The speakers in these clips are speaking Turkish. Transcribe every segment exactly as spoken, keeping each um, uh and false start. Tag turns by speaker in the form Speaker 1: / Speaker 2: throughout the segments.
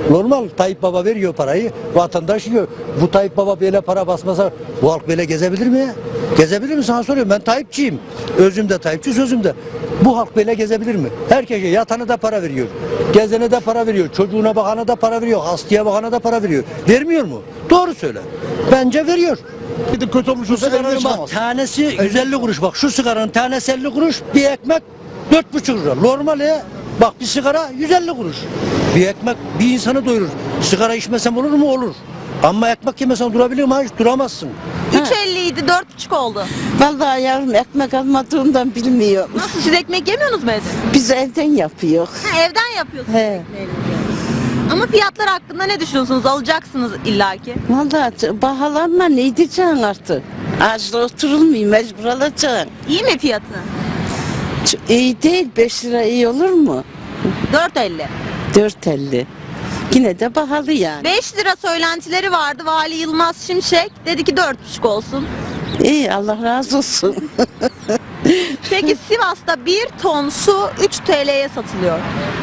Speaker 1: Normal. Tayyip Baba veriyor parayı, vatandaş yiyor. Bu Tayyip Baba böyle para basmasa bu halk böyle gezebilir mi ya? Gezebilir mi, sana soruyorum. Ben Tayyipçiyim. Özümde Tayyipçi, sözümde. Bu halk böyle gezebilir mi? Herkese, yatanı da para veriyor. Gezene de para veriyor. Çocuğuna bakana da para veriyor. Hastaya bakana da para veriyor. Vermiyor mu? Doğru söyle. Bence veriyor.
Speaker 2: Bir de kötü olmuş olsa evde
Speaker 1: Sigaranın bak
Speaker 2: çıkamaz.
Speaker 1: tanesi yüz elli kuruş. Bak şu sigaranın tanesi elli kuruş. Bir ekmek dört buçuk lira. Normal ya. Bak bir sigara yüz elli kuruş. Bir ekmek bir insanı doyurur. Sigara içmesem olur mu? Olur. Ama ekmek yemesen durabilir mi? Hiç duramazsın.
Speaker 3: üç elli idi, dört buçuk oldu.
Speaker 4: Vallahi yavrum ekmek almadığımdan bilmiyorum.
Speaker 3: Nasıl, siz ekmek yemiyorsunuz mu evde?
Speaker 4: Biz evden yapıyor.
Speaker 3: Ha, evden yapıyorsunuz
Speaker 4: He.
Speaker 3: ekmeğinizi. Ama fiyatlar hakkında ne düşünüyorsunuz? Alacaksınız illaki.
Speaker 4: Vallahi bahalanma ne diyeceksin artık? Ağaçta oturulmuyor, mecbur alacaksın.
Speaker 3: İyi mi fiyatı?
Speaker 4: Ç- İyi değil, beş lira iyi olur mu?
Speaker 3: dört elli.
Speaker 4: dört elli. Yine de pahalı yani.
Speaker 3: beş lira söylentileri vardı. Vali Yılmaz Şimşek dedi ki dört buçuk olsun.
Speaker 4: İyi, Allah razı olsun.
Speaker 3: Peki Sivas'ta bir ton su üç T L'ye satılıyor.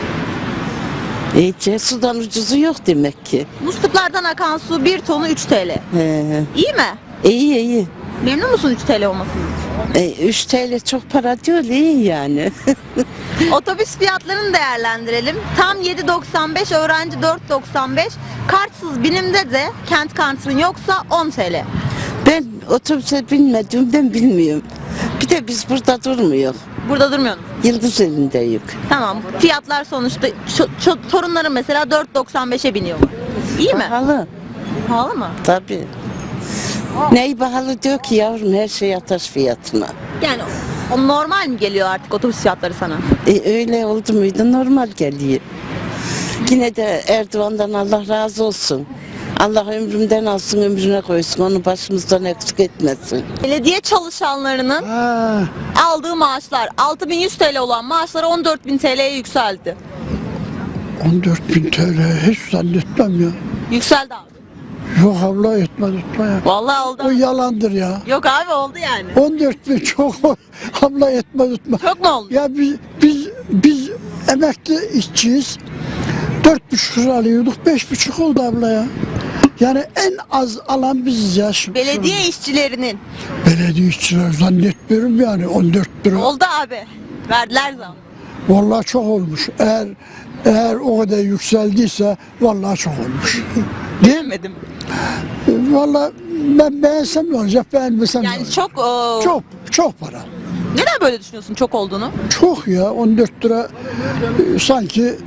Speaker 4: İyice sudan ucuzu yok demek ki.
Speaker 3: Musluklardan akan su bir tonu üç T L.
Speaker 4: He.
Speaker 3: İyi mi?
Speaker 4: İyi iyi.
Speaker 3: Memnun musun üç T L olmasından?
Speaker 4: E, üç TL çok para değil, iyi yani.
Speaker 3: Otobüs fiyatlarını değerlendirelim. Tam yedi doksan beş, öğrenci dört doksan beş. Kartsız binimde de kent kartın yoksa on T L.
Speaker 4: Ben otobüse binmediğimden bilmiyorum. Bir de biz burada durmuyor.
Speaker 3: Burada durmuyorsun.
Speaker 4: Yıldız elindeyiz.
Speaker 3: Tamam. Fiyatlar sonuçta ço- ço- torunlarım mesela dört doksan beşe biniyorlar. İyi mi?
Speaker 4: Pahalı.
Speaker 3: Pahalı mı?
Speaker 4: Tabii. Neyi pahalı diyor ki yavrum, her şey ateş fiyatına.
Speaker 3: Yani o normal mi geliyor artık otobüs fiyatları sana?
Speaker 4: E, öyle oldu muydu normal geliyor. Yine de Erdoğan'dan Allah razı olsun. Allah ömrümden alsın, ömrüne koysun, onu başımızdan eksik etmesin.
Speaker 3: Belediye çalışanlarının
Speaker 2: Ha,
Speaker 3: aldığı maaşlar altı bin yüz T L olan maaşları on dört bin T L'ye yükseldi.
Speaker 2: on dört bin T L hiç zannetmem ya.
Speaker 3: Yükseldi abi.
Speaker 2: Yok abla etmez etme ya.
Speaker 3: Vallahi oldu.
Speaker 2: O yalandır ya.
Speaker 3: Yok abi oldu yani.
Speaker 2: on dört bin çok abla etmez etme.
Speaker 3: Çok mu oldu?
Speaker 2: Ya biz biz biz emekli işçiyiz. Dört buçuk lira alıyorduk, beş buçuk oldu abla ya. Yani en az alan biziz ya. Şu,
Speaker 3: Belediye işçilerinin
Speaker 2: şu- belediye işçiler zannetmiyorum yani on dört lira.
Speaker 3: oldu abi. Verdiler zam.
Speaker 2: Vallahi çok olmuş. Eğer eğer o kadar yükseldiyse vallahi çok olmuş. Değil mi?
Speaker 3: Demedim.
Speaker 2: Vallahi ben beğensem ne olacak, beğenmesem ne
Speaker 3: Yani
Speaker 2: olacak?
Speaker 3: çok o,
Speaker 2: Çok çok para.
Speaker 3: neden böyle düşünüyorsun çok olduğunu?
Speaker 2: Çok ya on dört lira e, sanki e,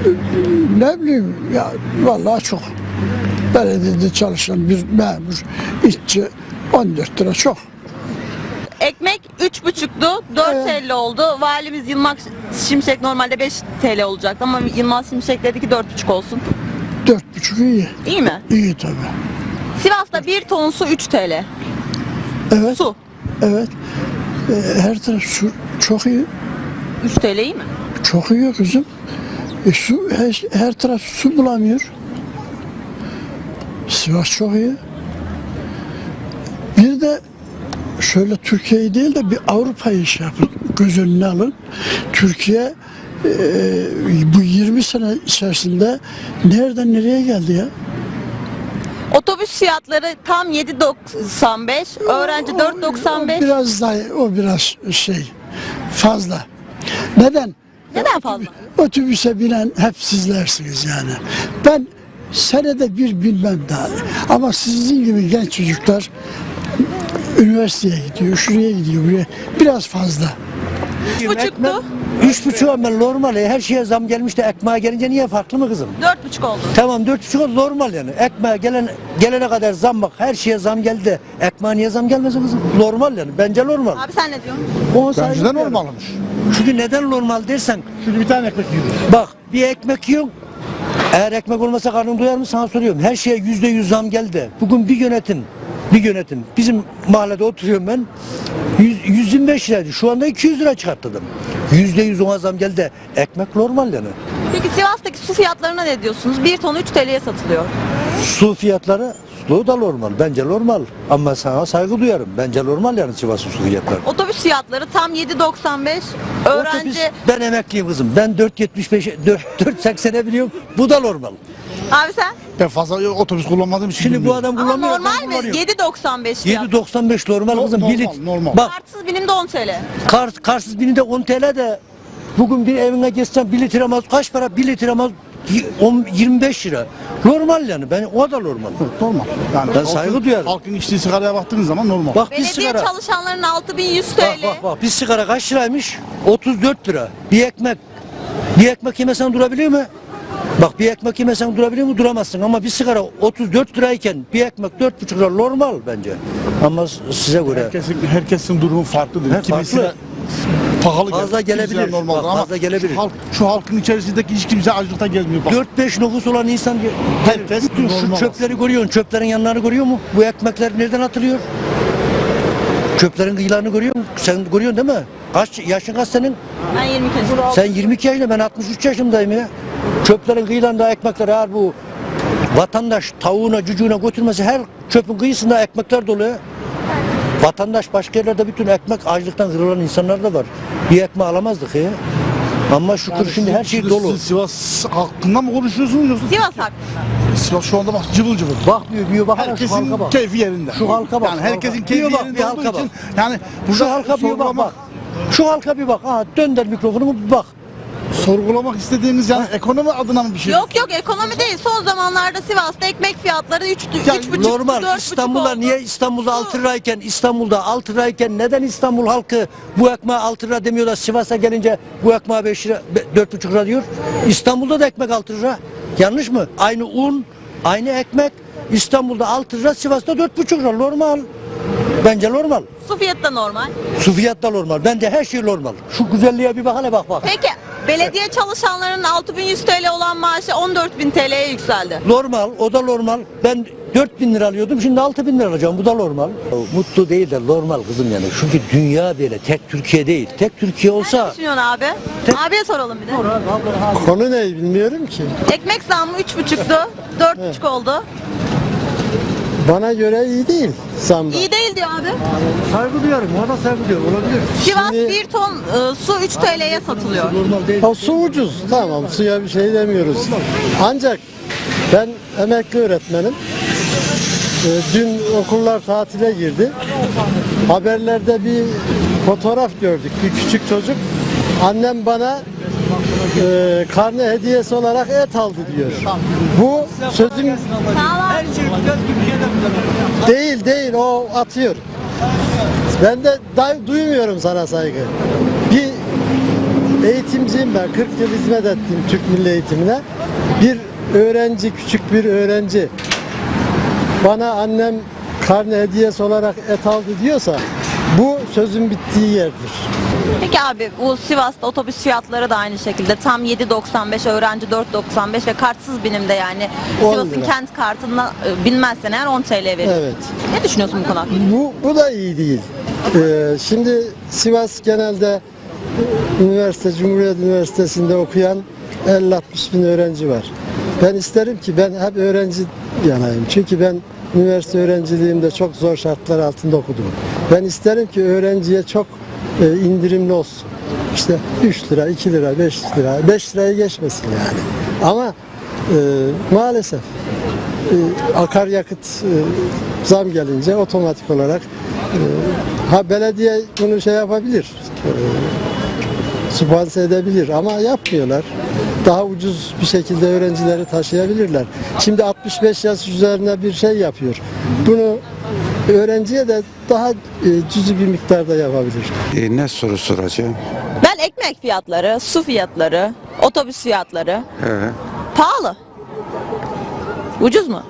Speaker 2: ne bileyim ya vallahi çok. Belediyede çalışan bir memur, işçi on dört lira çok.
Speaker 3: Ekmek üç buçuktu, dört elli oldu. Valimiz Yılmaz Şimşek normalde beş T L olacaktı ama Yılmaz Şimşek dedi ki dört buçuk olsun.
Speaker 2: Dört buçuk iyi.
Speaker 3: İyi mi?
Speaker 2: İyi tabii.
Speaker 3: Sivas'ta bir ton su üç T L.
Speaker 2: Evet.
Speaker 3: Su
Speaker 2: Evet. E, her taraf su çok iyi.
Speaker 3: üç T L iyi mi?
Speaker 2: Çok iyi kızım. E, su her, her taraf su bulamıyor. Sivas çok iyi. Bir de şöyle Türkiye'yi değil de bir Avrupa'yı şey yapın, göz önüne alın. Türkiye e, bu yirmi sene içerisinde nereden nereye geldi ya?
Speaker 3: Otobüs fiyatları tam yedi doksan beş, öğrenci dört doksan
Speaker 2: O
Speaker 3: beş.
Speaker 2: biraz daha, o biraz şey fazla. Neden?
Speaker 3: Neden fazla?
Speaker 2: Otobüse binen hep sizlersiniz yani. Ben senede bir bilmem daha. Ama sizin gibi genç çocuklar üniversiteye gidiyor, şuraya gidiyor, buraya. Biraz fazla.
Speaker 3: Üç buçuktu,
Speaker 1: Üç buçuk ama normal ya. Her şeye zam gelmiş de ekmeğe gelince niye farklı mı kızım?
Speaker 3: dört buçuk oldu.
Speaker 1: Tamam dört buçuk oldu, normal yani. Ekmeğe gelen, gelene kadar zam, bak her şeye zam geldi de ekmeğe niye zam gelmesin kızım? Normal yani. Bence normal.
Speaker 3: Abi sen ne diyorsun?
Speaker 1: Ona saygı
Speaker 2: Bence de
Speaker 1: duyuyorum.
Speaker 2: normalmiş.
Speaker 1: Çünkü neden normal dersen,
Speaker 2: Şimdi bir tane ekmek yiyoruz.
Speaker 1: bak bir ekmek yiyorsun. Eğer ekmek olmasa karnın doyar mı, sana soruyorum. Her şeye yüzde yüz zam geldi. Bugün bir yönetim, bir yönetim. Bizim mahallede oturuyorum ben. yüz, yüz yirmi beş liraydı. Şu anda iki yüz lira çıkarttım. Yüzde yüz ona zam geldi. Ekmek normal yani.
Speaker 3: Peki Sivas'taki su fiyatlarına ne diyorsunuz? Bir ton üç T L'ye satılıyor.
Speaker 1: Su fiyatları, su da normal. Bence normal. Ama sana saygı duyarım. Bence normal yani Sivas'ın su fiyatları.
Speaker 3: Otobüs fiyatları tam yedi doksan beş. Öğrenci
Speaker 1: Otobüs, ben emekliyim kızım. Ben dört yetmiş beş, dört seksene biliyorum. Bu da normal.
Speaker 3: Abi sen?
Speaker 5: Ben fazla otobüs kullanmadığım için
Speaker 1: Şimdi bu
Speaker 5: bilmiyorum.
Speaker 1: adam
Speaker 3: Ama
Speaker 1: kullanmıyor.
Speaker 3: normal
Speaker 1: ben
Speaker 3: mi?
Speaker 1: kullanıyorum.
Speaker 3: yedi doksan beş fiyat.
Speaker 1: yedi doksan beş normal
Speaker 5: No-
Speaker 1: kızım.
Speaker 5: normal,
Speaker 1: Bir lit-
Speaker 5: normal.
Speaker 1: Bak
Speaker 3: Kartsız binimde on T L.
Speaker 1: kar, karsız bini de on T L de bugün bir evine geçsen bir litre mazot kaç para? Bir litre mazot y- on- yirmi beş lira. Normal yani. Ben o da normal.
Speaker 5: Normal. Yani
Speaker 1: Ben saygı
Speaker 5: halkın-
Speaker 1: duyarım.
Speaker 5: Halkın içtiği sigaraya baktığınız zaman normal.
Speaker 1: Bak bir
Speaker 3: Belediye
Speaker 1: sigara.
Speaker 3: çalışanlarının altı bin yüz
Speaker 1: Bak
Speaker 3: TL.
Speaker 1: bak bak bir sigara kaç liraymış? otuz dört lira. Bir ekmek. Bir ekmek yemesen durabiliyor mu? Bak bir ekmek yemesen durabiliyor mu? Duramazsın ama bir sigara otuz dört lirayken bir ekmek dört buçuk lira normal bence. Ama s- size göre
Speaker 5: Herkesin, herkesin durumu farklıdır.
Speaker 1: He,
Speaker 5: Kimisine
Speaker 1: farklı.
Speaker 5: pahalı
Speaker 1: Fazla
Speaker 5: gelir, kimisine
Speaker 1: gelebilir.
Speaker 5: normaldir.
Speaker 1: Bak,
Speaker 5: Ama
Speaker 1: fazla gelebilir.
Speaker 5: Şu, halk, şu halkın içerisindeki hiç kimse açlıkta gezmiyor. Bak.
Speaker 1: dört beş nüfus olan insan
Speaker 5: Herkes
Speaker 1: bütün şu
Speaker 5: normal
Speaker 1: çöpleri görüyorsun. Çöplerin yanlarını görüyor mu? Bu ekmekler nereden atılıyor? Çöplerin kıyılarını görüyor musun? Sen görüyorsun değil mi? Kaç yaşın kaç senin?
Speaker 3: Ben yirmi iki yaşındayım.
Speaker 1: Sen yirmi iki yaşında, ben altmış üç yaşındayım ya. Çöplerin kıyılarında ekmekler, eğer bu vatandaş tavuğuna cücüğüne götürmesi, her çöpün kıyısında ekmekler dolu ya. Vatandaş başka yerlerde bütün ekmek açlıktan kırılan insanlar da var. Bir ekmeği alamazdık ya. Ama şükür
Speaker 5: Yani
Speaker 1: şimdi
Speaker 5: siz-
Speaker 1: her şey
Speaker 5: siz-
Speaker 1: dolu.
Speaker 5: Siz Sivas hakkında mı konuşuyorsunuz yoksa?
Speaker 3: Sivas hakkında.
Speaker 5: Sivas şu anda bak cıvıl cıvıl.
Speaker 1: Bak diyor, diyor bak, şu halka
Speaker 5: Herkesin
Speaker 1: bak.
Speaker 5: keyfi yerinde.
Speaker 1: Şu halka bak,
Speaker 5: Yani
Speaker 1: şu
Speaker 5: herkesin
Speaker 1: halka.
Speaker 5: keyfi
Speaker 1: Bir bak,
Speaker 5: yerinde
Speaker 1: bir
Speaker 5: olduğu
Speaker 1: halka
Speaker 5: için
Speaker 1: bak.
Speaker 5: yani
Speaker 1: Şu
Speaker 5: burada
Speaker 1: halka bir bak
Speaker 5: sorgulamak,
Speaker 1: bak. Şu halka bir bak. Ha dönder mikrofonu bir bak.
Speaker 5: sorgulamak istediğimiz yani ekonomi adına mı bir şey?
Speaker 3: Yok yok ekonomi değil. Son zamanlarda Sivas'ta ekmek fiyatları üç
Speaker 5: Ya
Speaker 3: buçuk
Speaker 1: Normal. İstanbul'da niye İstanbul'da altı lirayken, İstanbul'da altı lirayken neden İstanbul halkı bu ekmeğe altı lira demiyor da Sivas'a gelince bu ekmeğe beş lira, dört buçuk lira diyor. İstanbul'da da ekmek altı lira. Yanlış mı? Aynı un, aynı ekmek. İstanbul'da altı lira, Sivas'ta dört buçuk lira. Normal. Bence normal.
Speaker 3: Su fiyatı da normal.
Speaker 1: Su fiyat da normal. Bence her şey normal. Şu güzelliğe bir bak hele bak bak.
Speaker 3: Peki belediye çalışanlarının altı bin yüz T L olan maaşı on dört bin T L'ye yükseldi.
Speaker 1: Normal, o da normal. Ben dört bin lira alıyordum, şimdi altı bin lira alacağım. Bu da normal. Mutlu değil de normal kızım yani. Çünkü dünya böyle, tek Türkiye değil. Tek Türkiye
Speaker 3: Ne
Speaker 1: olsa...
Speaker 3: düşünüyorsun abi? Abiye soralım bir de.
Speaker 2: Konu ne bilmiyorum ki.
Speaker 3: Ekmek zammı üç buçuktu. dört buçuk oldu.
Speaker 2: Bana göre iyi değil zamda.
Speaker 3: İyi değil diyor abi.
Speaker 1: Saygı duyarım, ona saygı duyuyorum. Olabilir.
Speaker 3: Sivas
Speaker 2: Şimdi-
Speaker 3: bir ton e, su üç T L'ye satılıyor.
Speaker 1: Normal değil.
Speaker 2: O su ucuz. Tamam, suya bir şey demiyoruz. Ancak ben emekli öğretmenim. Ee, Dün okullar tatile girdi. Haberlerde bir fotoğraf gördük. Bir küçük çocuk. Annem bana e, karne hediyesi olarak et aldı diyor. Bu sözüm
Speaker 1: Her şey güzel Türkiye'de.
Speaker 2: değil değil, o atıyor. Ben de day- duymuyorum sana saygı. Bir eğitimciyim ben. kırk yıl hizmet ettim Türk Milli Eğitimine. Bir öğrenci, küçük bir öğrenci bana annem karne hediyesi olarak et aldı diyorsa bu sözün bittiği yerdir.
Speaker 3: Peki abi bu Sivas'ta otobüs fiyatları da aynı şekilde tam yedi doksan beş, öğrenci dört doksan beş ve kartsız binimde yani
Speaker 2: on
Speaker 3: Sivas'ın
Speaker 2: lira.
Speaker 3: kent kartına e, binmezsen eğer on T L veriyor.
Speaker 2: Evet.
Speaker 3: Ne düşünüyorsun bu konu hakkında?
Speaker 2: Bu, bu da iyi değil. Ee, şimdi Sivas genelde üniversite, Cumhuriyet Üniversitesi'nde okuyan elli altmış bin öğrenci var. Ben isterim ki ben hep öğrenci yanayım. Çünkü ben üniversite öğrenciliğimde çok zor şartlar altında okudum. Ben isterim ki öğrenciye çok e, indirimli olsun. İşte üç lira, iki lira, beş lira, beş lirayı geçmesin yani. Ama e, maalesef e, akaryakıt e, zam gelince otomatik olarak e, ha belediye bunu şey yapabilir, e, sübvanse edebilir ama yapmıyorlar. Daha ucuz bir şekilde öğrencileri taşıyabilirler. Şimdi altmış beş yaş üzerine bir şey yapıyor. Bunu öğrenciye de daha e, cüzi bir miktarda yapabilir.
Speaker 6: E, ne soru soracağım?
Speaker 3: Ben ekmek fiyatları, su fiyatları, otobüs fiyatları
Speaker 6: He.
Speaker 3: pahalı. Ucuz mu?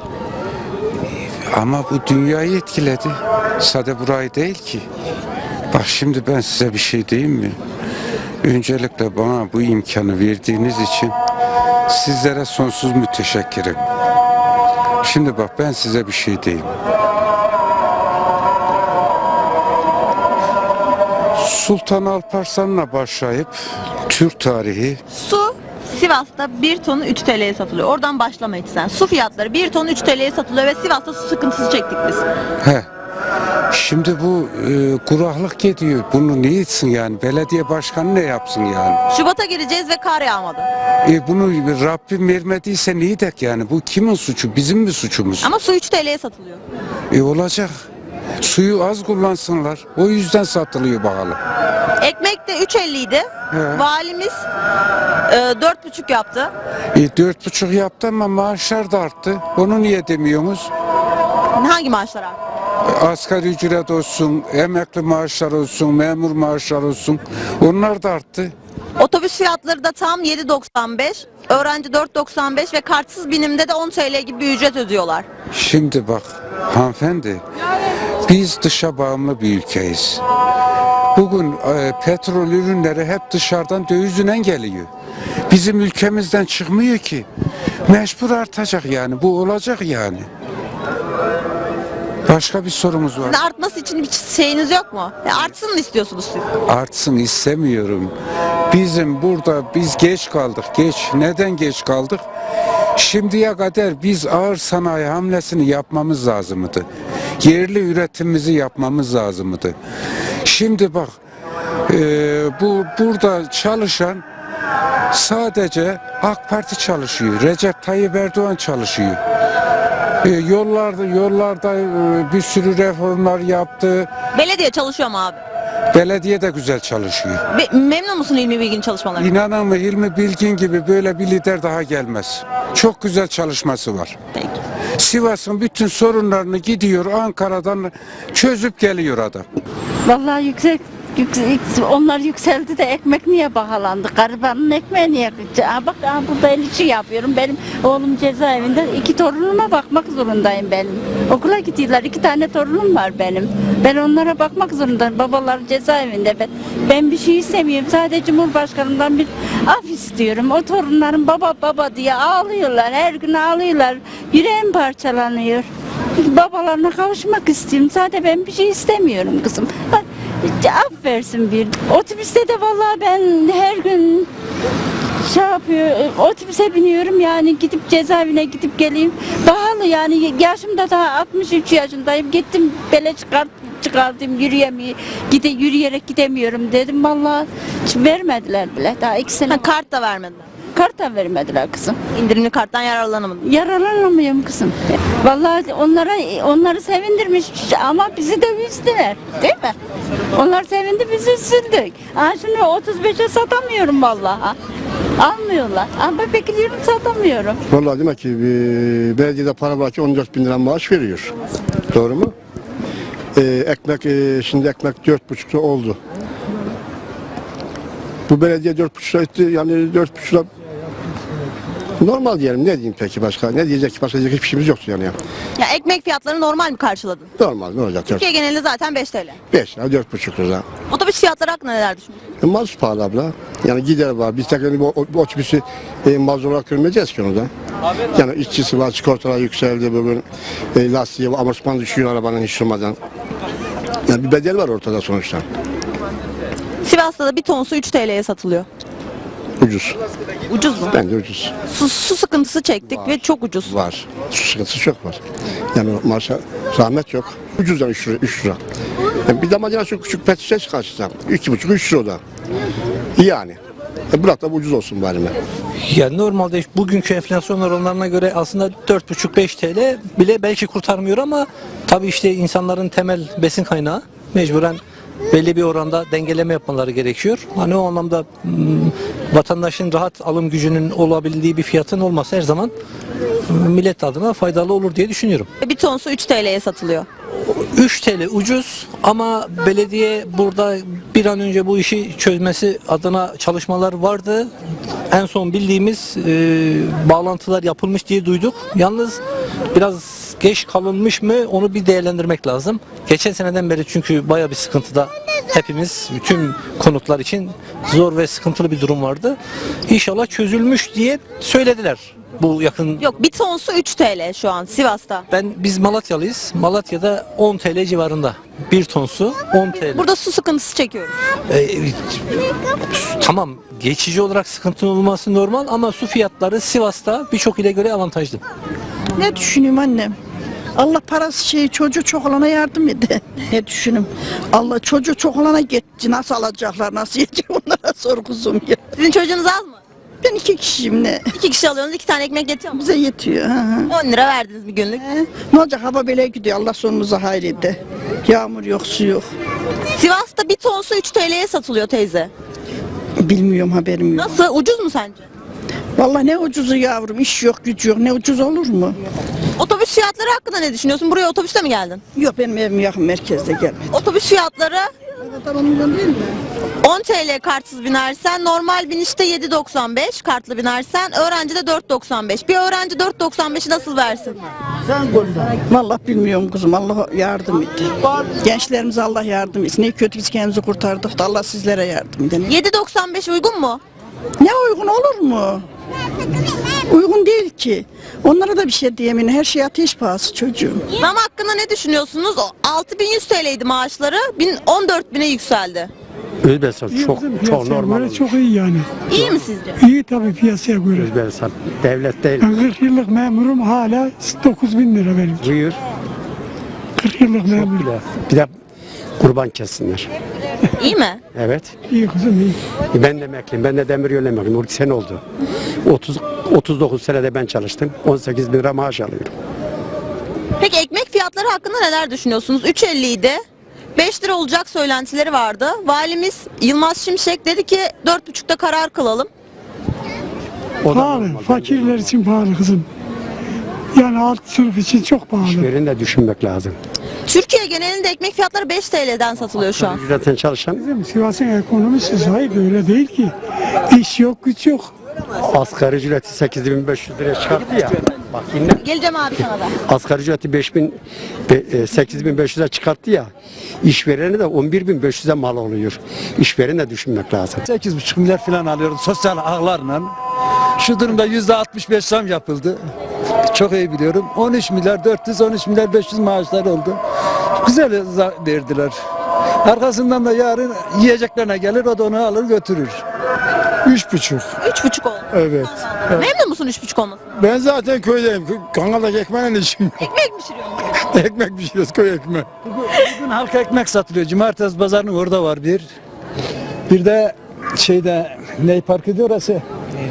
Speaker 6: Ama bu dünyayı etkiledi. Sade burayı değil ki. Bak şimdi ben size bir şey diyeyim mi? Öncelikle bana bu imkanı verdiğiniz için sizlere sonsuz müteşekkirim. Şimdi bak ben size bir şey diyeyim. Sultan Alparslan'la başlayıp Türk tarihi
Speaker 3: Su Sivas'ta bir tonu üç T L'ye satılıyor. Oradan başlama hiç sen. Su fiyatları bir tonu üç T L'ye satılıyor ve Sivas'ta su sıkıntısı çektik biz.
Speaker 6: he. Şimdi bu e, kuraklık gidiyor. Bunu ne etsin yani? Belediye başkanı ne yapsın yani?
Speaker 3: Şubat'a gireceğiz ve kar yağmadı.
Speaker 6: E, bunu Rabbim vermediyse ne edek yani? Bu kimin suçu? Bizim mi suçumuz?
Speaker 3: Ama su üç T L'ye satılıyor.
Speaker 6: E olacak. Suyu az kullansınlar. O yüzden satılıyor bakalım.
Speaker 3: Ekmek de üç elli idi.
Speaker 6: He.
Speaker 3: Valimiz e, dört buçuk yaptı.
Speaker 6: E, dört buçuk yaptı ama maaşlar da arttı. Onu niye demiyorsunuz?
Speaker 3: Hangi maaşlar arttı?
Speaker 6: Asgari ücret olsun, emekli maaşlar olsun, memur maaşlar olsun. Onlar da arttı.
Speaker 3: Otobüs fiyatları da tam yedi doksan beş. Öğrenci dört doksan beş ve kartsız binimde de on T L gibi bir ücret ödüyorlar.
Speaker 6: Şimdi bak hanımefendi, biz dışa bağımlı bir ülkeyiz. Bugün e, petrol ürünleri hep dışarıdan dövizle geliyor. Bizim ülkemizden çıkmıyor ki. Mecbur artacak yani, bu olacak yani. Başka bir sorumuz var.
Speaker 3: Sizin artması için bir şeyiniz yok mu? Ya artsın mı istiyorsunuz siz?
Speaker 6: Artsın istemiyorum. Bizim burada biz geç kaldık. Geç. Neden geç kaldık? Şimdiye kadar biz ağır sanayi hamlesini yapmamız lazımdı. Yerli üretimimizi yapmamız lazımdı. Şimdi bak e, bu burada çalışan sadece AK Parti çalışıyor. Recep Tayyip Erdoğan çalışıyor. E, yollarda yollarda e, bir sürü reformlar yaptı.
Speaker 3: Belediye çalışıyor mu abi?
Speaker 6: Belediye de güzel çalışıyor.
Speaker 3: Be- memnun musun İlmi Bilgin çalışmalarından?
Speaker 6: İnanın mı Hilmi Bilgin gibi böyle bir lider daha gelmez. Çok güzel çalışması var.
Speaker 3: Peki.
Speaker 6: Sivas'ın bütün sorunlarını gidiyor Ankara'dan çözüp geliyor adam.
Speaker 7: Vallahi yüksek, yüksek onlar yükseldi de ekmek niye pahalandı? Garibanın ekmeği niye? Aa, bak aa, burada el işi yapıyorum. Benim oğlum cezaevinde, iki torunuma bakmak zorundayım benim. Okula gidiyorlar, iki tane torunum var benim. Ben onlara bakmak zorundayım. Babalar cezaevinde. Ben, ben bir şey istemiyorum. Sadece Cumhurbaşkanımdan bir af istiyorum. O torunlarım baba baba diye ağlıyorlar. Her gün ağlıyorlar. Yüreğim parçalanıyor. Babalarına kavuşmak istiyorum. Sadece ben bir şey istemiyorum kızım. Af versin bir. Otobüste de vallahi ben her gün şey yapıyor, otobüse biniyorum yani gidip cezaevine gidip geleyim. Pahalı yani yaşım da daha altmış üç yaşındayım. Gittim bele çıkart, çıkardım yürüyemiyor, gide, yürüyerek gidemiyorum dedim. Vallahi hiç vermediler bile. Daha iki sene
Speaker 3: Ha, kart da vermediler.
Speaker 7: kart da vermediler kızım.
Speaker 3: İndirimli karttan yararlanamadım.
Speaker 7: Yararlanamıyorum kızım. Vallahi onlara onları sevindirmiş ama bizi de üzdüler. Değil mi? Onlar sevindi biz üzüldük. Ha şimdi otuz beşe satamıyorum vallahi. Almıyorlar. Ama bekliyorum satamıyorum.
Speaker 8: Vallahi demek ki e, belediyede para var ki on dört bin lira maaş veriyor. Doğru mu? E, ekmek e, şimdi ekmek dört buçuk lira oldu. Bu belediye dört buçuk lira etti yani dört buçuk lira normal diyelim. Ne diyeyim peki başka? Ne diyecek? Başka diyecek hiçbir şeyimiz yoktu yani.
Speaker 3: Ya ekmek fiyatlarını normal mi karşıladın?
Speaker 8: Normal ne olacak?
Speaker 3: Türkiye genelinde zaten beş T L.
Speaker 8: beş lira dört buçuk lira.
Speaker 3: Otobüs fiyatları hakkında neler düşünüyorsun?
Speaker 8: E, mazot pahalı abla. Yani gider var. Biz tekrar bu, bu otobüsü e, mazot olarak görmeyeceğiz ki onu da. Yani işçisi var, sigortalar yükseldi bugün. E, lastiği, amortisman düşüyor arabanın hiç durmadan. Yani bir bedel var ortada sonuçta.
Speaker 3: Sivas'ta da bir ton su üç T L'ye satılıyor.
Speaker 8: Ucuz.
Speaker 3: Ucuz mu?
Speaker 8: Bence ucuz.
Speaker 3: Su, su sıkıntısı çektik ve çok ucuz.
Speaker 8: Var. Su sıkıntısı çok var. Yani maaşa zahmet yok. Ucuz yani üç lira. üç lira. Yani bir damacana çok küçük pet şişe çıkarsa iki buçuk üç lira o da. Yani. E bırak da ucuz olsun bari mi?
Speaker 9: Ya normalde bugünkü enflasyon oranlarına göre aslında dört buçuk beş T L bile belki kurtarmıyor ama tabii işte insanların temel besin kaynağı mecburen belli bir oranda dengeleme yapmaları gerekiyor. Hani o anlamda hmm, vatandaşın rahat alım gücünün olabildiği bir fiyatın olması her zaman hmm, millet adına faydalı olur diye düşünüyorum.
Speaker 3: Bir ton su üç T L'ye satılıyor.
Speaker 9: üç T L ucuz ama belediye burada bir an önce bu işi çözmesi adına çalışmalar vardı. En son bildiğimiz e, bağlantılar yapılmış diye duyduk. Yalnız biraz geç kalınmış mı onu bir değerlendirmek lazım. Geçen seneden beri çünkü baya bir sıkıntıda hepimiz bütün konutlar için zor ve sıkıntılı bir durum vardı. İnşallah çözülmüş diye söylediler. Bu yakın.
Speaker 3: Yok bir ton su üç T L şu an Sivas'ta.
Speaker 9: Ben biz Malatyalıyız. Malatya'da on T L civarında. Bir ton su on T L.
Speaker 3: Burada su sıkıntısı çekiyoruz.
Speaker 9: Ee, tamam geçici olarak sıkıntı olması normal ama su fiyatları Sivas'ta birçok ile göre avantajlı.
Speaker 10: Ne düşünüyorum annem?
Speaker 2: Allah parası şeyi çocuğu çok olana yardım ede. Ne düşünüm? Allah çocuğu çok olana gitti. Nasıl alacaklar, nasıl yiyecek onlara sor kuzum ya.
Speaker 3: Sizin çocuğunuz az mı?
Speaker 2: Ben iki kişiyim ne?
Speaker 3: İki kişi alıyorsunuz, iki tane ekmek yetiyor mu?
Speaker 2: Bize yetiyor. Hı hı.
Speaker 3: on lira verdiniz bir günlük.
Speaker 2: He, ne olacak hava böyle gidiyor Allah sonumuza hayrede. Yağmur yok su yok.
Speaker 3: Sivas'ta bir ton su üç T L'ye satılıyor teyze.
Speaker 2: Bilmiyorum haberim yok.
Speaker 3: Nasıl? Ucuz mu sence?
Speaker 2: Vallahi ne ucuzu yavrum iş yok güç yok ne ucuz olur mu?
Speaker 3: Otobüs fiyatları hakkında ne düşünüyorsun? Buraya otobüsle mi geldin?
Speaker 2: Yok benim evim yakın merkezde gelmedi.
Speaker 3: Otobüs fiyatları
Speaker 2: Tamam milyon değil mi?
Speaker 3: on T L kartsız binersen, normal binişte yedi doksan beş, kartlı binersen, öğrenci de dört doksan beş. Bir öğrenci dört doksan beşi nasıl versin?
Speaker 2: Vallahi bilmiyorum kuzum Allah yardım etti. Gençlerimize Allah yardım etsin. Ne kötü biz kendimizi kurtardık da Allah sizlere yardım edin.
Speaker 3: yedi doksan beş uygun mu?
Speaker 2: Ne uygun olur mu? Uygun değil ki. Onlara da bir şey diyemeyin. Her şey ateş pahası çocuğum.
Speaker 3: Zam hakkında ne düşünüyorsunuz? O altı bin yüz T L'ydi maaşları, on dört bine yükseldi.
Speaker 10: Özbekistan çok çok normal.
Speaker 2: Göre çok iyi yani.
Speaker 3: İyi mi sizce?
Speaker 2: İyi tabii piyasaya göre.
Speaker 10: Özbekistan devlet değil.
Speaker 2: Ben kırk yıllık memurum hala dokuz bin lira benim.
Speaker 10: Buyur.
Speaker 2: kırk yıllık
Speaker 10: Bir de, bir de kurban kessinler.
Speaker 3: İyi mi?
Speaker 10: Evet.
Speaker 2: İyi kızım iyi.
Speaker 10: Ben de emekliyim. Ben de demiryolu emekliyim. on iki sene oldu. otuz otuz dokuz senede ben çalıştım. on sekiz bin lira maaş alıyorum.
Speaker 3: Peki ekmek fiyatları hakkında neler düşünüyorsunuz? üç elli idi. beş lira olacak söylentileri vardı. Valimiz Yılmaz Şimşek dedi ki dört buçukta karar kılalım.
Speaker 10: O da
Speaker 2: Pahalı.
Speaker 10: normal.
Speaker 2: Fakirler için pahalı kızım. Yani alt sınıf için çok pahalı.
Speaker 10: İşverini de düşünmek lazım.
Speaker 3: Türkiye genelinde ekmek fiyatları beş T L'den satılıyor şu an.
Speaker 10: Ücretten çalışan
Speaker 2: Bizim Sivas'ın ekonomisi zayıf öyle değil ki. İş yok güç yok.
Speaker 10: asgari ücreti sekiz bin beş yüz liraya çıkarttı ya. Bak yine
Speaker 3: Geleceğim abi sana da.
Speaker 10: asgari ücreti beş bin, sekiz bin beş yüze çıkarttı ya. İşvereni de on bir bin beş yüze mal oluyor. İşvereni de düşünmek lazım.
Speaker 1: sekiz buçuk milyar falan alıyoruz sosyal ağlarla. Şu durumda yüzde altmış beş zam yapıldı. Çok iyi biliyorum. on üç milyar dört yüz, on üç milyar beş yüz maaşlar oldu. Güzel zam verdiler. Arkasından da yarın yiyeceklerine gelir, o da onu alır götürür.
Speaker 5: Üç buçuk.
Speaker 3: Üç buçuk oldu.
Speaker 5: Evet.
Speaker 3: Memnun musun üç buçuk olması?
Speaker 5: Ben zaten köydeyim. Kangal'daki ekmeğin işim yok.
Speaker 3: Ekmek mi pişiriyorsun?
Speaker 5: Ekmek pişiriyoruz, köy ekmeği.
Speaker 1: Bugün halk ekmek satılıyor. Cumartesi pazarının orada var bir. Bir de şeyde ne parkı diyor orası?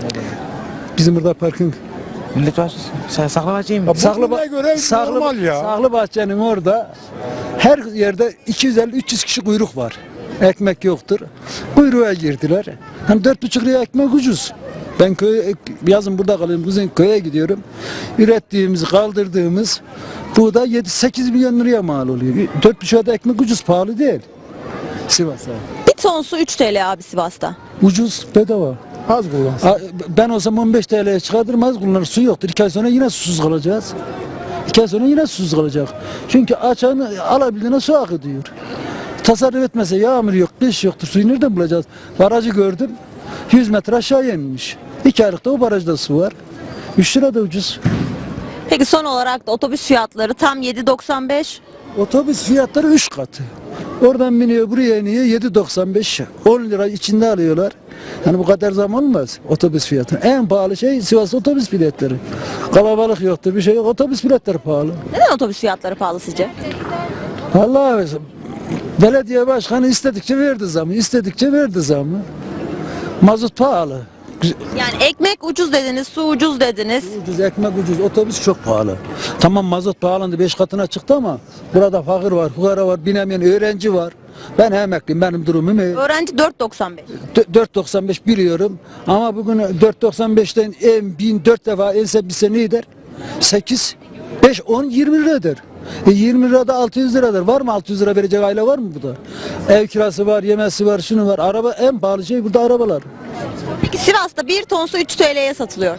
Speaker 1: Bizim burada parkın.
Speaker 11: Millet var. Sen saklamacıyım.
Speaker 1: Saklı,
Speaker 5: bugüne göre normal ya.
Speaker 1: Saklı Bahçe'nin orada her yerde iki yüz elli üç yüz kişi kuyruk var. Ekmek yoktur. Kuyruğa girdiler. Hani dört buçuk liraya ekmek ucuz. Ben köy yazın burada kalıyorum. Kızın köye gidiyorum. Ürettiğimiz, kaldırdığımız buğday yedi sekiz milyon liraya mal oluyor. dört buçuk da ekmek ucuz, pahalı değil. Sivas'a.
Speaker 3: Bir ton su üç T L abi Sivas'ta.
Speaker 1: Ucuz, bedava.
Speaker 5: Az kullansın.
Speaker 1: A- Ben olsam on beş T L'ye çıkartırım, az kullanır. Su yoktur. İki ay sonra yine susuz kalacağız. İki ay sonra yine susuz kalacak. Çünkü açanı alabildiğine su akıtıyor. Tasarruf etmese yağmur yok, kış yoktur. Suyu nereden bulacağız? Barajı gördüm. yüz metre aşağı inmiş. İki aylıkta o barajda su var. üç lira da ucuz.
Speaker 3: Peki son olarak da otobüs fiyatları tam yedi doksan beş.
Speaker 1: Otobüs fiyatları üç katı. Oradan biniyor buraya iniyor yedi doksan beş. on lira içinde alıyorlar. Yani bu kadar zam olmaz otobüs fiyatı. En pahalı şey Sivas otobüs biletleri. Kalabalık yoktur, bir şey yok. Otobüs biletleri pahalı.
Speaker 3: Neden otobüs fiyatları pahalı sizce?
Speaker 1: Vallahi belediye başkanı istedikçe verdi zamı, istedikçe verdi zamı. Mazot pahalı.
Speaker 3: Yani ekmek ucuz dediniz, su ucuz dediniz.
Speaker 1: Ucuz, ekmek ucuz, otobüs çok pahalı. Tamam mazot pahalandı, beş katına çıktı ama burada fakir var, fukara var, binemeyen öğrenci var. Ben emekliyim, benim durumum iyi.
Speaker 3: Öğrenci dört doksan beş.
Speaker 1: dört doksan beş biliyorum ama bugün dört doksan beşten en bin dört defa else bir sene eder. sekiz, beş, on, yirmi lira eder. E yirmi lirada altı yüz liradır. Var mı altı yüz lira verecek aile var mı burada? Ev kirası var, yemesi var, şunu var. Araba en pahalı şey burada arabalar.
Speaker 3: Peki Sivas'ta bir ton su üç T L'ye satılıyor.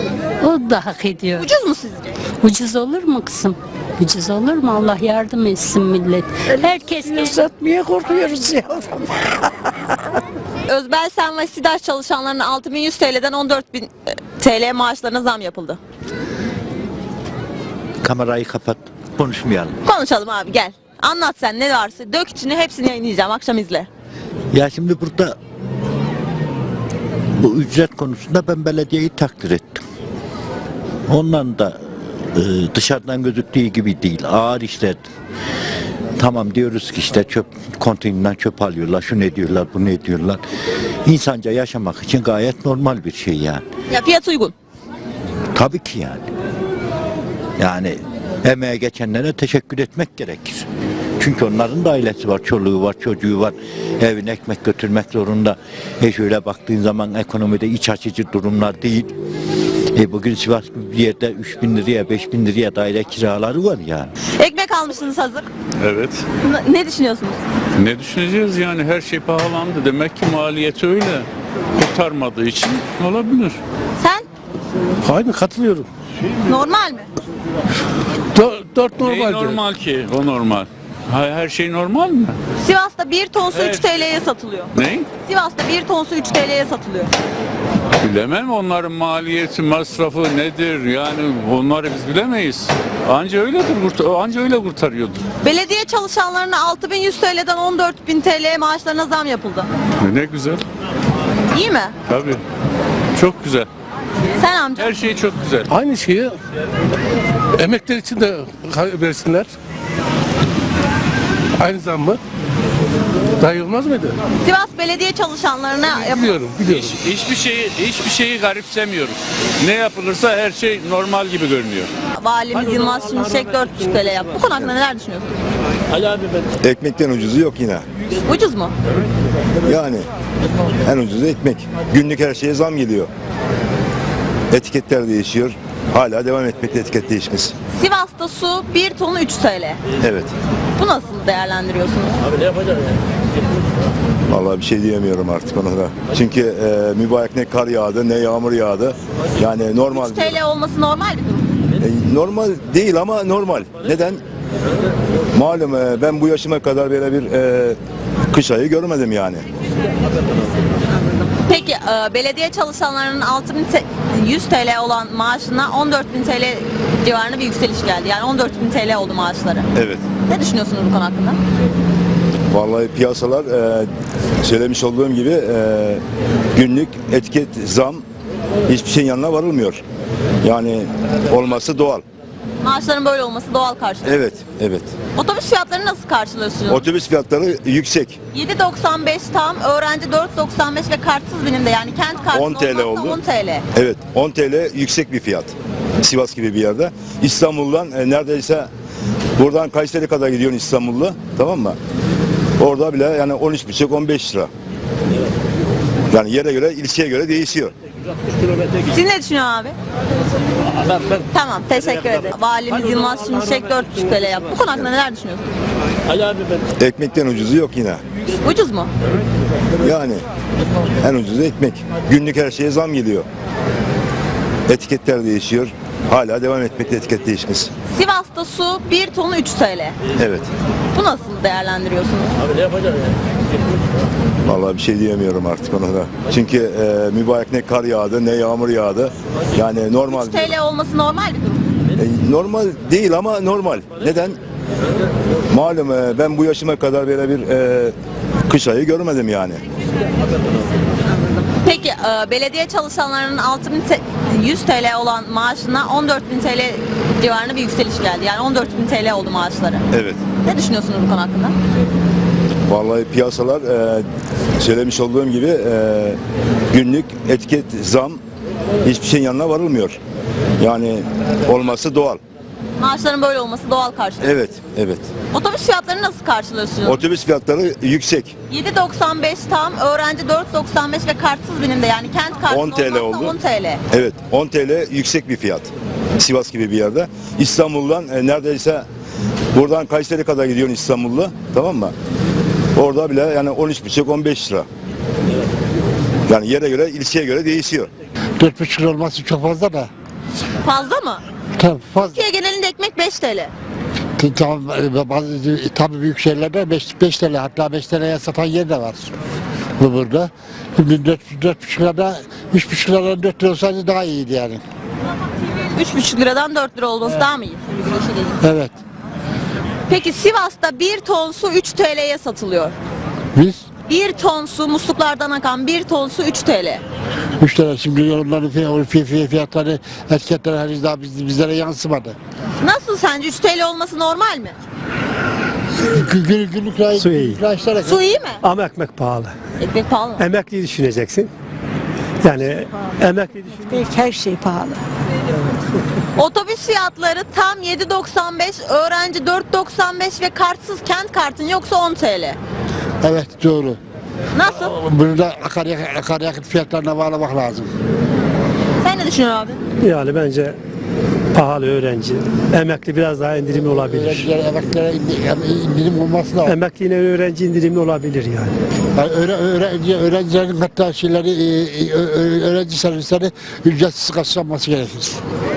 Speaker 7: O da hak ediyor.
Speaker 3: Ucuz mu sizce?
Speaker 7: Ucuz olur mu kızım? Ucuz olur mu? Allah yardım etsin millet. Herkes
Speaker 2: Satmaya korkuyoruz yavrum.
Speaker 3: Özbelsen ve SİDAŞ çalışanlarının altı bin yüz T L'den on dört bin T L maaşlarına zam yapıldı.
Speaker 11: Kamerayı kapat. Konuşmayalım.
Speaker 3: Konuşalım abi gel. Anlat sen ne varsa. Dök içini hepsini yayınlayacağım. Akşam izle.
Speaker 11: Ya şimdi burada bu ücret konusunda ben belediyeyi takdir ettim. Ondan da e, dışarıdan gözüktüğü gibi değil. Ağır işler. Tamam diyoruz ki işte çöp konteynerden çöp alıyorlar, şu ne diyorlar, bu ne diyorlar. İnsanca yaşamak için gayet normal bir şey yani.
Speaker 3: Ya fiyat uygun.
Speaker 11: Tabii ki yani. Yani emeğe geçenlere teşekkür etmek gerekir. Çünkü onların da ailesi var, çoluğu var, çocuğu var. Evine ekmek götürmek zorunda. E şöyle baktığın zaman ekonomide iç açıcı durumlar değil. E bugün Sivas bir yerde üç bin liraya, beş bin liraya daire kiraları var yani.
Speaker 3: Ekmek almışsınız hazır.
Speaker 12: Evet.
Speaker 3: N- Ne düşünüyorsunuz?
Speaker 12: Ne düşüneceğiz yani her şey pahalandı. Demek ki maliyeti öyle. Kurtarmadığı için olabilir.
Speaker 3: Sen
Speaker 5: Aynı katılıyorum.
Speaker 3: normal mi?
Speaker 5: Dört
Speaker 12: Neyi normal ki? O normal. Ha, her şey normal mi?
Speaker 3: Sivas'ta bir tonsu
Speaker 12: Evet.
Speaker 3: üç T L'ye satılıyor.
Speaker 12: Ne?
Speaker 3: Sivas'ta bir tonsu üç T L'ye satılıyor.
Speaker 12: Bilemem onların maliyeti, masrafı nedir? Yani onları biz bilemeyiz. Anca öyledir, kurt- anca öyle kurtarıyordur.
Speaker 3: Belediye çalışanlarına altı bin yüz T L'den on dört bin T L maaşlarına zam yapıldı.
Speaker 12: Ne güzel.
Speaker 3: İyi mi?
Speaker 12: Tabii. Çok güzel.
Speaker 3: Sen amca.
Speaker 12: Her şey çok güzel.
Speaker 5: Aynı şeyi emekler için de versinler. Aynı zam mı? Daha iyi olmaz mıydı?
Speaker 3: Sivas belediye çalışanlarına yapıldı.
Speaker 5: Biliyorum, biliyorum.
Speaker 12: Hiç, hiçbir şeyi hiçbir şeyi garipsemiyoruz. Ne yapılırsa her şey normal gibi görünüyor.
Speaker 3: Valimiz Yılmaz Şimşek dört buçuk T L yaptı. Bu konu hakkında neler düşünüyorsun?
Speaker 8: Ekmekten ucuzu yok yine.
Speaker 3: Ucuz mu?
Speaker 8: Yani en ucuzu ekmek. Günlük her şeye zam geliyor. Etiketler değişiyor. Hala devam etmekte etiket değişmesi.
Speaker 3: Sivas'ta su bir tonu üç T L.
Speaker 8: Evet.
Speaker 3: Bu nasıl değerlendiriyorsunuz?
Speaker 8: Vallahi bir şey diyemiyorum artık ona da. Çünkü e, mübarek ne kar yağdı ne yağmur yağdı. Yani normal.
Speaker 3: üç T L olması normal bir durum.
Speaker 8: E, normal değil ama normal. Neden? Malum e, ben bu yaşıma kadar böyle bir e, kış ayı görmedim yani.
Speaker 3: Peki e, belediye çalışanlarının altı bin yüz T L olan maaşına on dört bin T L civarında bir yükseliş geldi. Yani on dört bin T L oldu maaşları.
Speaker 8: Evet.
Speaker 3: Ne düşünüyorsunuz bu konu hakkında?
Speaker 8: Vallahi piyasalar e, söylemiş olduğum gibi e, günlük etiket zam hiçbir şeyin yanına varılmıyor. Yani olması doğal.
Speaker 3: Maaşların böyle olması doğal karşılıyor.
Speaker 8: Evet, evet.
Speaker 3: Otobüs fiyatlarını nasıl karşılıyorsunuz?
Speaker 8: Otobüs fiyatları yüksek.
Speaker 3: yedi doksan beş tam, öğrenci dört doksan beş ve kartsız binimde yani kent kartı
Speaker 8: on T L
Speaker 3: olmazsa
Speaker 8: oldu.
Speaker 3: on T L.
Speaker 8: Evet, on T L yüksek bir fiyat. Sivas gibi bir yerde. İstanbul'dan e, neredeyse buradan Kayseri kadar gidiyorsun İstanbul'da, tamam mı? Orada bile yani on üç buçuk on beş lira. Yani yere göre, ilçeye göre değişiyor.
Speaker 3: Siz ne düşünüyorsun abi? Tamam, teşekkür ederim. Valimiz Yılmaz Şimşek dört buçuk T L yaptı. Bu konu hakkında neler düşünüyorsun?
Speaker 8: Ekmekten ucuzu yok yine.
Speaker 3: Ucuz mu?
Speaker 8: Yani en ucuzu ekmek. Günlük her şeye zam geliyor. Etiketler değişiyor. Hala devam etmekte etiket değişmesi.
Speaker 3: Sivas'ta su bir tonu üç T L.
Speaker 8: Evet.
Speaker 3: Bu nasıl değerlendiriyorsunuz?
Speaker 8: Vallahi bir şey diyemiyorum artık ona da. Çünkü e, mübarek ne kar yağdı ne yağmur yağdı. Yani normal.
Speaker 3: üç T L olması normal bir durum.
Speaker 8: E, normal değil ama normal. Neden? Malum e, ben bu yaşıma kadar böyle bir e, kış ayı görmedim yani.
Speaker 3: Peki e, belediye çalışanlarının altı bin yüz T L olan maaşına on dört bin T L civarında bir yükseliş geldi. Yani on dört bin T L oldu maaşları.
Speaker 8: Evet.
Speaker 3: Ne düşünüyorsunuz bu konu hakkında?
Speaker 8: Vallahi piyasalar e, söylemiş olduğum gibi e, günlük etiket zam hiçbir şeyin yanına varılmıyor. Yani olması doğal.
Speaker 3: Maaşların böyle olması doğal karşılıyor.
Speaker 8: Evet, evet.
Speaker 3: Otobüs fiyatlarını nasıl karşılıyorsunuz?
Speaker 8: Otobüs fiyatları yüksek.
Speaker 3: yedi doksan beş tam, öğrenci dört doksan beş ve kartsız binimde yani kent kartı
Speaker 8: on T L
Speaker 3: olmazsa
Speaker 8: oldu.
Speaker 3: on T L.
Speaker 8: Evet, on T L yüksek bir fiyat. Sivas gibi bir yerde. İstanbul'dan e, neredeyse buradan Kayseri kadar gidiyorsun İstanbul'da, tamam mı? Orada bile yani on üç buçuk on beş lira. Yani yere göre, ilçeye göre değişiyor.
Speaker 2: Dört buçuk lira olması çok fazla da.
Speaker 3: Fazla mı?
Speaker 2: Tabii fazla.
Speaker 3: Türkiye genelinde ekmek beş T L.
Speaker 2: Tamam, bazı tabii büyük şehirlerde beş T L, hatta beş T L'ye satan yer de var bu burada. Şimdi dört buçuk lirada, üç buçuk liradan dört lira olsaydı daha iyiydi yani.
Speaker 3: üç buçuk liradan dört lira olması daha mı iyi?
Speaker 2: Evet.
Speaker 3: Peki Sivas'ta bir ton su üç T L'ye satılıyor.
Speaker 2: Biz
Speaker 3: Bir ton su, musluklardan akan bir ton su üç T L.
Speaker 5: üç lira şimdi onların fiy- fiy- fiy- fiyatları etiketler henüz daha biz- bizlere yansımadı.
Speaker 3: Nasıl sence üç T L olması normal mi?
Speaker 5: Gün- Günlük günlük rayı,
Speaker 10: Su iyi.
Speaker 5: günlük rayışlara
Speaker 3: Su iyi mi?
Speaker 10: Ama ekmek pahalı.
Speaker 3: Ekmek pahalı mı?
Speaker 10: Emekliyi düşüneceksin. Yani emekli düşün.
Speaker 2: Her şey pahalı.
Speaker 3: Otobüs fiyatları tam yedi doksan beş, öğrenci dört doksan beş ve kartsız kent kartın yoksa on T L.
Speaker 5: Evet doğru.
Speaker 3: Nasıl?
Speaker 5: Bunu da akaryakıt, akaryakıt fiyatlarına bağlamak lazım.
Speaker 3: Sen ne düşünüyorsun abi?
Speaker 10: Yani bence pahalı öğrenci. Emekli biraz daha indirimli olabilir.
Speaker 5: Öğrencilere, emeklilere indi- indirim olması lazım.
Speaker 10: Emekli yine öğrenci indirimli olabilir yani.
Speaker 5: Yani öğre, öğrenci, öğrencilerin hatta şeyleri, e, e, ö- öğrenci servisleri ücretsiz karşılanması gerekir.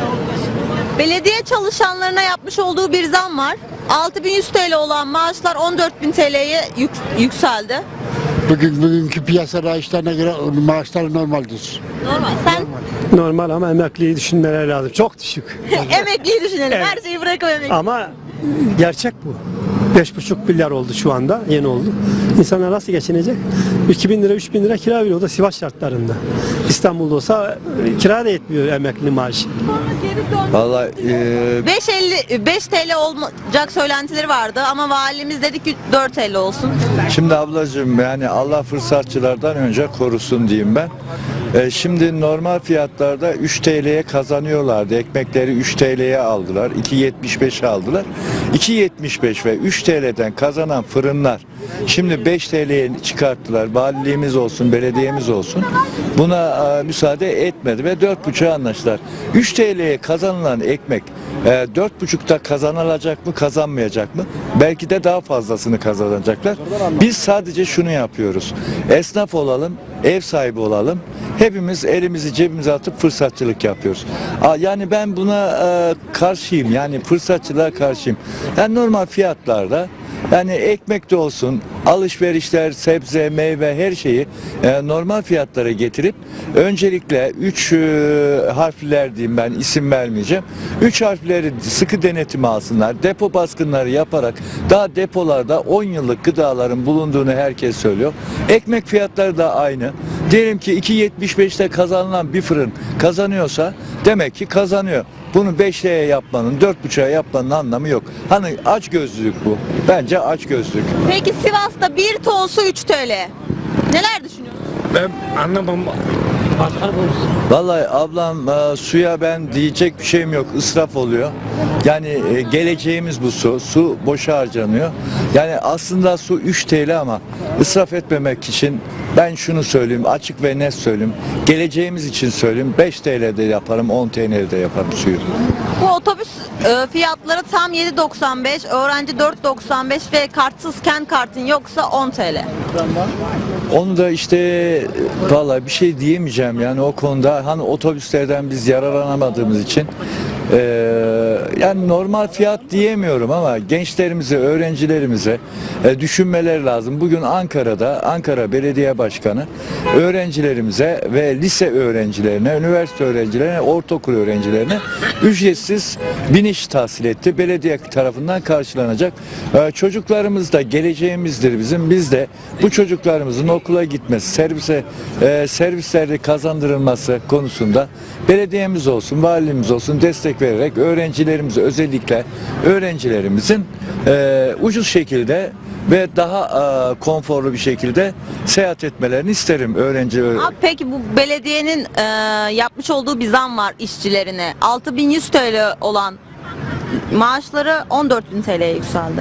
Speaker 3: Belediye çalışanlarına yapmış olduğu bir zam var. altı bin yüz T L olan maaşlar on dört bin T L'ye yük- yükseldi.
Speaker 5: Bugün bugünkü piyasa rayışlarına göre maaşlar normaldir.
Speaker 3: Normal. Sen
Speaker 10: Normal ama emekliyi düşünmeleri lazım. Çok düşük.
Speaker 3: emekliyi düşünelim.
Speaker 10: Evet.
Speaker 3: Her şeyi bırakalım emekli.
Speaker 10: Ama gerçek bu. beş buçuk milyar oldu şu anda. Yeni oldu. İnsanlar nasıl geçinecek? iki bin lira, üç bin lira kira veriyor. O da Sivas şartlarında. İstanbul'da olsa e, kira da yetmiyor emekli maaşı.
Speaker 11: Vallahi e,
Speaker 3: beş elli beş T L olacak söylentileri vardı ama valimiz dedi ki dört T L olsun.
Speaker 11: Şimdi ablacığım yani Allah fırsatçılardan önce korusun diyeyim ben. E, şimdi normal fiyatlarda üç T L'ye kazanıyorlardı. Ekmekleri üç T L'ye aldılar. iki yetmiş beşe aldılar. iki yetmiş beş ve üç T L'den kazanan fırınlar şimdi beş T L'ye çıkarttılar. Valiliğimiz olsun, belediyemiz olsun. Buna e, müsaade etmedi ve dört buçuğa anlaştılar. üç T L'ye kazanılan ekmek e, dört buçukta kazanılacak mı, kazanmayacak mı? Belki de daha fazlasını kazanacaklar. Biz sadece şunu yapıyoruz. Esnaf olalım, ev sahibi olalım. Hepimiz elimizi cebimize atıp fırsatçılık yapıyoruz. Aa, Yani ben buna e, karşıyım. Yani fırsatçılığa karşıyım. Yani normal fiyatlarda yani ekmek de olsun, alışverişler, sebze, meyve her şeyi e, normal fiyatlara getirip öncelikle üç e, harfler diyeyim ben isim vermeyeceğim. üç harfleri sıkı denetime alsınlar. Depo baskınları yaparak daha depolarda on yıllık gıdaların bulunduğunu herkes söylüyor. Ekmek fiyatları da aynı. Diyelim ki iki yetmiş beşte kazanılan bir fırın kazanıyorsa demek ki kazanıyor. Bunu beş liraya yapmanın, dört buçuğa yapmanın anlamı yok. Hani aç gözlülük bu. Bence aç gözlülük.
Speaker 3: Peki Sivas'ta bir ton su üç T L. Neler düşünüyorsun?
Speaker 10: Ben anlamam.
Speaker 11: Vallahi ablam e, suya ben diyecek bir şeyim yok. İsraf oluyor. Yani e, geleceğimiz bu su. Su boşa harcanıyor. Yani aslında su üç T L ama israf etmemek için ben şunu söyleyeyim. Açık ve net söyleyeyim. Geleceğimiz için söyleyeyim. beş T L'de yaparım, on T L'de yaparım suyu.
Speaker 3: Bu otobüs e, fiyatları tam yedi doksan beş, öğrenci dört doksan beş ve kartsız kent kartın yoksa on T L.
Speaker 11: Onu da işte vallahi bir şey diyemeyeceğim yani o konuda hani otobüslerden biz yararlanamadığımız için eee, yani normal fiyat diyemiyorum ama gençlerimize, öğrencilerimize e, düşünmeleri lazım. Bugün Ankara'da Ankara Belediye Başkanı öğrencilerimize ve lise öğrencilerine, üniversite öğrencilerine, ortaokul öğrencilerine ücretsiz biniş tahsil etti. Belediye tarafından karşılanacak. E, çocuklarımız da geleceğimizdir bizim. Biz de bu çocuklarımızın okula gitmesi, servise e, servislerde kazandırılması konusunda belediyemiz olsun, valimiz olsun destek vererek öğrencilerimize özellikle öğrencilerimizin e, ucuz şekilde ve daha e, konforlu bir şekilde seyahat etmelerini isterim öğrenci.
Speaker 3: Abi peki bu belediyenin e, yapmış olduğu bir zam var işçilerine. altı bin yüz T L olan maaşları on dört bin T L'ye yükseldi.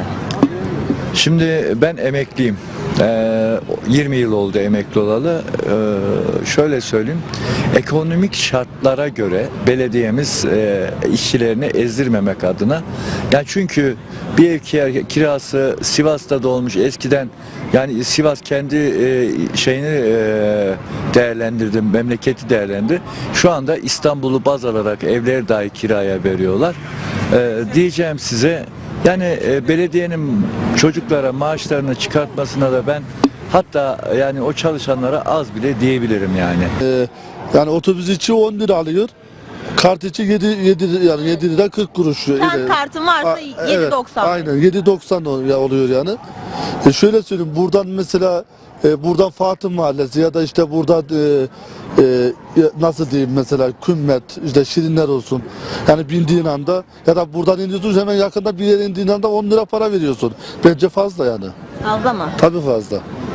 Speaker 11: Şimdi ben emekliyim. Ee, yirmi yıl oldu emekli olalı. Ee, şöyle söyleyeyim. Ekonomik şartlara göre belediyemiz e, işçilerini ezdirmemek adına. Yani çünkü bir ev kira- kirası Sivas'ta da olmuş eskiden. Yani Sivas kendi e, şeyini e, değerlendirdi, memleketi değerlendi. Şu anda İstanbul'u baz alarak evleri dahi kiraya veriyorlar. Ee, diyeceğim size yani e, belediyenin çocuklara maaşlarını çıkartmasına da ben hatta yani o çalışanlara az bile diyebilirim yani.
Speaker 5: Ee, yani otobüs içi on lira alıyor. Kart içi yedi, yedi yani yedi lira kırk kuruş.
Speaker 3: Kent kartın varsa
Speaker 5: A-
Speaker 3: yedi
Speaker 5: evet,
Speaker 3: doksan.
Speaker 5: Aynen yedi doksan oluyor yani. E şöyle söyleyeyim buradan mesela
Speaker 13: e, buradan Fatih Mahallesi ya da işte burada e, e, nasıl diyeyim mesela Kümmet, işte Şirinler olsun. Yani bindiğin anda ya da buradan iniyorsun hemen yakında bir yere indiğin anda on lira para veriyorsun. Bence fazla yani.
Speaker 3: Fazla mı?
Speaker 13: Tabii fazla.